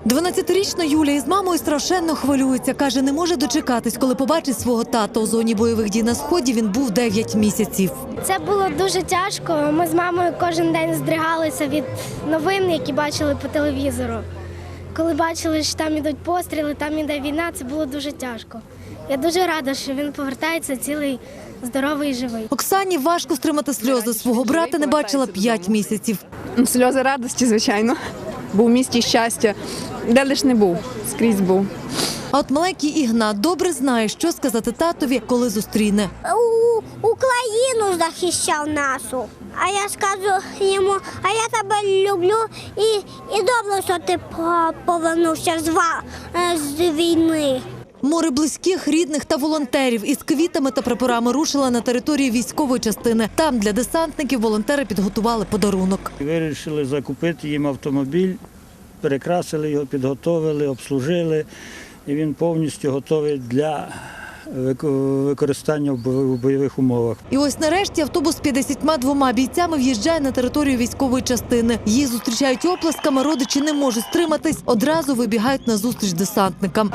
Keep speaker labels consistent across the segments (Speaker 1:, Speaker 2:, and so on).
Speaker 1: 12-річна Юля із мамою страшенно хвилюється. Каже, не може дочекатись, коли побачить свого тата. У зоні бойових дій на Сході він був 9 місяців.
Speaker 2: Це було дуже тяжко. Ми з мамою кожен день здригалися від новин, які бачили по телевізору. Коли бачили, що там ідуть постріли, там іде війна, це було дуже тяжко. Я дуже рада, що він повертається цілий, здоровий і живий.
Speaker 1: Оксані важко стримати сльози. Свого брата не бачила 5 місяців.
Speaker 3: Сльози радості, звичайно. Був у місті щастя. Де лиш не був, скрізь був.
Speaker 1: А от маленький Ігнат добре знає, що сказати татові, коли зустріне.
Speaker 4: Україну захищав нашу. А я скажу йому, а я тебе люблю і добре, що ти повернувся з війни.
Speaker 1: Море близьких, рідних та волонтерів із квітами та прапорами рушила на територію військової частини. Там для десантників волонтери підготували подарунок.
Speaker 5: Вирішили закупити їм автомобіль, перекрасили його, підготовили, обслужили. І він повністю готовий для використання в бойових умовах.
Speaker 1: І ось нарешті автобус з 52 бійцями в'їжджає на територію військової частини. Їх зустрічають оплесками, родичі не можуть стриматись, одразу вибігають на зустріч десантникам.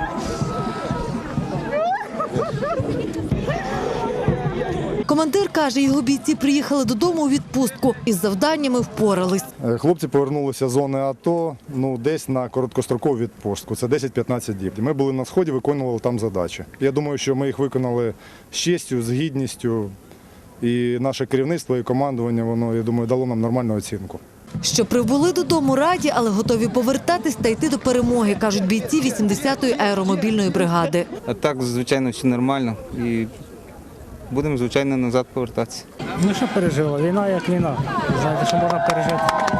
Speaker 1: Командир каже, його бійці приїхали додому у відпустку і з завданнями впорались.
Speaker 6: Хлопці повернулися з зони АТО десь на короткострокову відпустку. Це 10-15 діб. Ми були на Сході, виконували там задачі. Я думаю, що ми їх виконали з честю, з гідністю. І наше керівництво і командування, воно, я думаю, дало нам нормальну оцінку.
Speaker 1: Що прибули додому раді, але готові повертатись та йти до перемоги, кажуть бійці 80-ї аеромобільної бригади.
Speaker 7: А так, звичайно, все нормально. І будемо, звичайно, назад повертатися.
Speaker 8: Ну що пережила? Війна як війна. Знаєте, що можна пережити.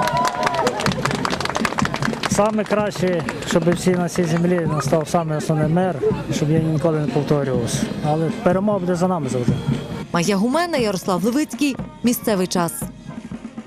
Speaker 8: Саме краще, щоб всі на цій землі настав саме основний мир, щоб я ніколи не повторювався. Але перемога буде за нами завжди.
Speaker 1: Майя Гумена, Ярослав Левицький. Місцевий час.